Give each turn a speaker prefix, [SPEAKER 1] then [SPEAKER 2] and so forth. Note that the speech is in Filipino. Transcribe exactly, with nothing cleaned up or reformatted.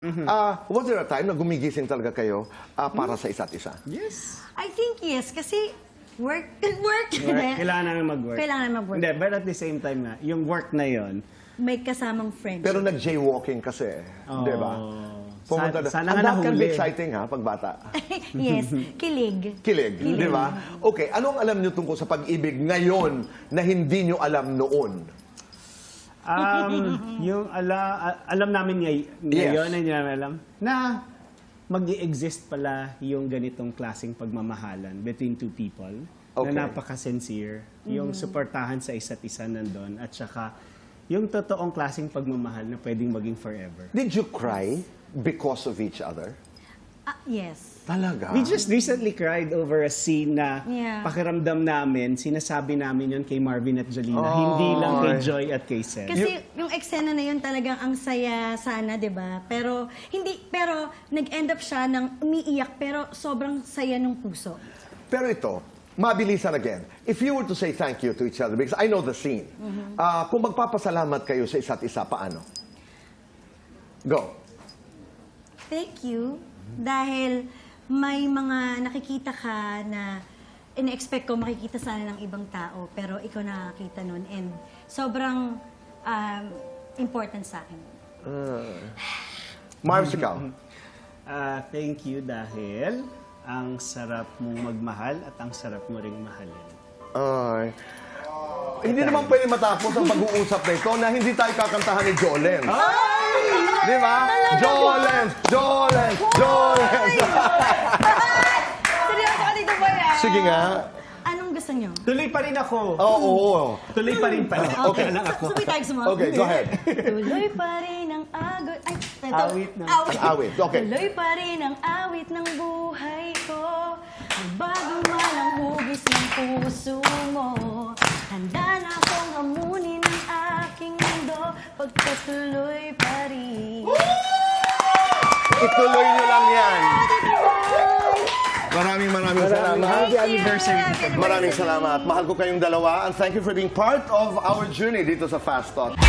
[SPEAKER 1] Ah, was there a time na gumigising talaga kayo ah, para sa isa't isa?
[SPEAKER 2] Yes.
[SPEAKER 3] I think yes, kasi work, work.
[SPEAKER 2] Work. Kailangan namin mag-work.
[SPEAKER 3] Kailangan mag-work.
[SPEAKER 2] Hindi, but at the same time nga, yung work na yon.
[SPEAKER 3] May kasamang friendship.
[SPEAKER 1] Pero nag-jaywalking kasi,
[SPEAKER 2] Oh,
[SPEAKER 1] di ba? Pumunta na.
[SPEAKER 2] Sana, sana
[SPEAKER 1] And
[SPEAKER 2] nga
[SPEAKER 1] that can be
[SPEAKER 2] nahuli.
[SPEAKER 1] exciting ha, pag bata.
[SPEAKER 3] Yes, kilig.
[SPEAKER 1] Kilig, di ba? Okay, anong alam niyo tungkol sa pag-ibig ngayon na hindi niyo alam noon?
[SPEAKER 2] Um, yung ala, a- alam namin ngay ngayon,
[SPEAKER 1] Yes.
[SPEAKER 2] na hindi namin alam, na mag-i-exist pala yung ganitong klaseng pagmamahalan between two people
[SPEAKER 1] Okay.
[SPEAKER 2] na napaka-sincere, yung suportahan sa isa't isa nandun, at saka yung totoong klaseng pagmamahal na pwedeng maging forever.
[SPEAKER 1] Did you cry because of each other?
[SPEAKER 3] Ah, yes.
[SPEAKER 1] Talaga?
[SPEAKER 2] We just recently cried over a scene na
[SPEAKER 3] Yeah.
[SPEAKER 2] pakiramdam namin, sinasabi namin yun kay Marvin at Jolina,
[SPEAKER 1] Oh.
[SPEAKER 2] hindi lang kay Joy at kay Seth.
[SPEAKER 3] Kasi yung eksena na yun talagang ang saya sana, 'di ba? Pero hindi pero nag-end up siya ng umiiyak pero sobrang saya ng puso.
[SPEAKER 1] Pero ito, mabilisan again. If you were to say thank you to each other, because I know the scene, ah, kung magpapasalamat kayo sa isa't isa, paano? Go.
[SPEAKER 3] Thank you dahil may mga nakikita ka na ina-expect ko makikita sana ng ibang tao pero ikaw nakakita nun and sobrang um, important sa akin.
[SPEAKER 1] Mars, ikaw.
[SPEAKER 2] Ah, thank you dahil ang sarap mong magmahal at ang sarap mo ring mahalin.
[SPEAKER 1] Ay. Hindi naman pwede matapos ang pag-uusap na ito na hindi tayo kakantahan ni Jolens. Di ba? Jolens! Jolens! Jolens!
[SPEAKER 3] Seryoso ka dito ba yan?
[SPEAKER 1] Sige nga.
[SPEAKER 3] Anong gusto niyo?
[SPEAKER 2] Tuloy pa rin ako.
[SPEAKER 1] Oo. oo.
[SPEAKER 2] Tuloy pa rin pala.
[SPEAKER 1] Okay.
[SPEAKER 2] lang ako.
[SPEAKER 3] Sabay tayo sa mga...
[SPEAKER 1] Okay, go ahead.
[SPEAKER 3] Tuloy pa rin ang agos... Ay, ito.
[SPEAKER 2] Awit ng-
[SPEAKER 3] Awit.
[SPEAKER 1] Awit, okay.
[SPEAKER 3] Tuloy pa rin ang awit ng buhay ko. Bago man ang hugis ng puso mo. Handa na akong hamunin ang aking mundo. Pagkatuloy pa rin.
[SPEAKER 1] Ituloy nyo lang yan. Maraming maraming salamat.
[SPEAKER 2] Happy anniversary.
[SPEAKER 1] Maraming salamat. Mahal ko kayong dalawa and thank you for being part of our journey dito sa Fast Talk.